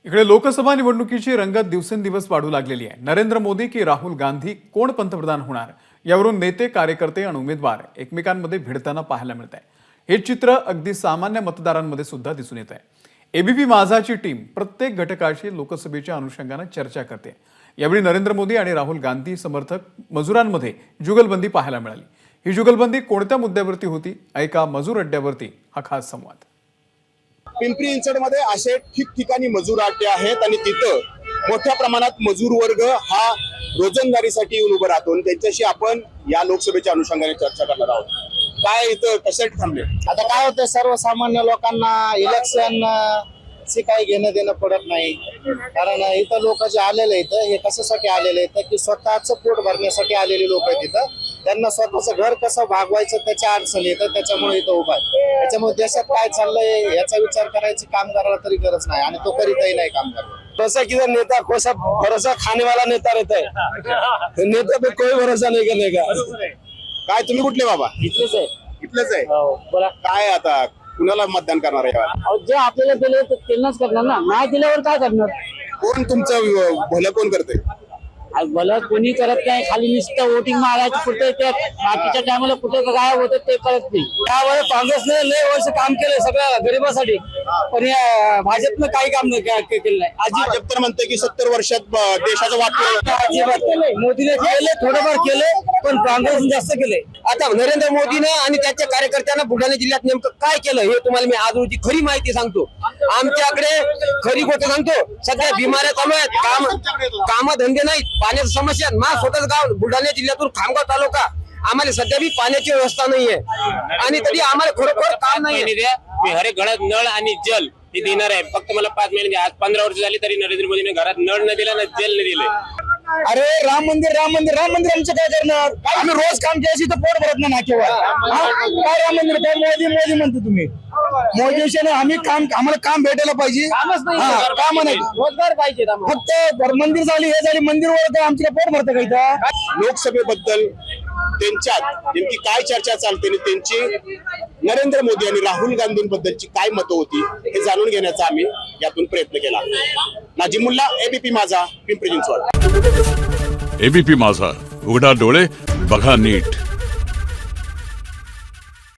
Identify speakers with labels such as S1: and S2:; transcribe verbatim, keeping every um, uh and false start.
S1: इकडे लोकसभा निवडणुकीची रंगत दिवसेंदिवस वाढू लागलेली आहे। नरेंद्र मोदी की राहुल गांधी कोण पंतप्रधान होणार यावरून नेते, कार्यकर्ते आणि उमेदवार एकमेकांमध्ये भिडताना पाहायला मिळत आहे। हे चित्र अगदी सामान्य मतदारांमध्ये सुद्धा दिसून येत आहे। एबीपी माझाची टीम प्रत्येक घटकाशी लोकसभेच्या अनुषंगाने चर्चा करते। यावेळी नरेंद्र मोदी आणि राहुल गांधी समर्थक मजुरांमध्ये जुगलबंदी पाहायला मिळाली। ही जुगलबंदी कोणत्या मुद्द्यावरती होती? ऐका मजूर अड्ड्यावरती हा खास संवाद।
S2: पिंपरी चिंचवडमध्ये असे ठिकठिकाणी मजूर अड्डे आहेत आणि तिथं मोठ्या प्रमाणात मजूर वर्ग हा रोजंदारीसाठी येऊन उभा राहतो। त्यांच्याशी आपण या लोकसभेच्या अनुषंगाने चर्चा करणार आहोत। काय इथं कशासाठी थांबले?
S3: आता काय होतं, सर्वसामान्य लोकांना इलेक्शन चे काही घेणं देणं पडत नाही। कारण इथं लोक जे आलेले इथं हे कशासाठी आलेले आहेत की स्वतःचं पोट भरण्यासाठी आलेले लोक आहेत। इथं त्यांना स्वतःचं घर कसं भागवायचं त्याच्या अडचणी येतं, त्याच्यामुळे इथं उभा आहे। त्याच्यामुळे देशात काय चाललंय याचा विचार करायची कामगाराला तरी गरज नाही आणि तो करीतही नाही कामगार।
S4: जैसा किधर नेता कोई सा भरोसा खाने वाला नेता रहता है, नेता पे कोई भरोसा नहीं करने का।
S2: काय तुम्ही कुठले बाबा?
S3: इथलेच आहे।
S2: इथलंच आहे।
S3: बोला,
S2: काय आता कुणाला मतदान करणार आहे?
S3: अहो, जे आपल्याला दिले ते त्यांनाच करणार ना, नाही दिल्यावर काय करणार?
S2: कोण तुमचं भलं कोण करते?
S3: आज भलं कोणी करत नाही, खाली नुसतं वोटिंग मारायचं कुठे ते बाकीच्या टायमाला कुठे काय होतं ते कळत नाही।
S4: त्यावेळेस काँग्रेसने लय वर्ष काम केले सगळ्या गरिबासाठी, पण या भाजपनं काही काम नाही के- केलं नाही अजिबात।
S2: भाजप तर म्हणते की सत्तर वर्षात ब- देशाचं वाटलं
S4: अजिबात केलंय, मोदीने केले, थोडंफार केले, पण काँग्रेसने जास्त केले। आता नरेंद्र मोदीने आणि त्याच्या कार्यकर्त्यांना बुलढाणा जिल्ह्यात नेमकं काय केलं हे तुम्हाला मी आज रोजी खरी माहिती सांगतो। आमच्याकडे खरी गोष्ट सांगतो, सध्या बिमाऱ्या चालू आहेत, काम कामधंदे नाहीत, पाण्याची समस्या। माझं स्वतःच गाव बुलढाणा जिल्ह्यातून खामगाव तालुका, आम्हाला सध्या बी पाण्याची व्यवस्था नाहीये आणि तरी आम्हाला खरोखर काम नाहीये।
S5: मी हर एक घरात नळ आणि जल हे देणार आहे। फक्त मला पाच महिने द्या। आज पंधरा वर्ष झाली तरी नरेंद्र मोदीने घरात नळ न दिला ना जल न दिले।
S4: अरे राम मंदिर राम मंदिर राम मंदिर आमचं काय करणार? आम्ही रोज काम केल्याशी तर पोट भरत नाही नाकेवर। काय राम मंदिर? काय मोदी मोदी म्हणतो तुम्ही? मोदीविषयी आम्ही काम, आम्हाला काम भेटायला पाहिजे, काम नाही,
S3: रोजगार पाहिजे आम्हाला।
S4: फक्त मंदिर झाली हे झाली मंदिर वर आमच्या पोट भरतं का इथं?
S2: लोकसभेबद्दल त्यांच्यात नेमकी काय चर्चा चालते आणि त्यांची नरेंद्र मोदी आणि राहुल गांधींबद्दलची काय मतं होती हे जाणून घेण्याचा आम्ही यातून प्रयत्न केला। नाजिम मुल्ला, एबीपी माझा, पिंपरी चिंचवड।
S6: एबीपी माझा, उघडा डोळे बघा नीट।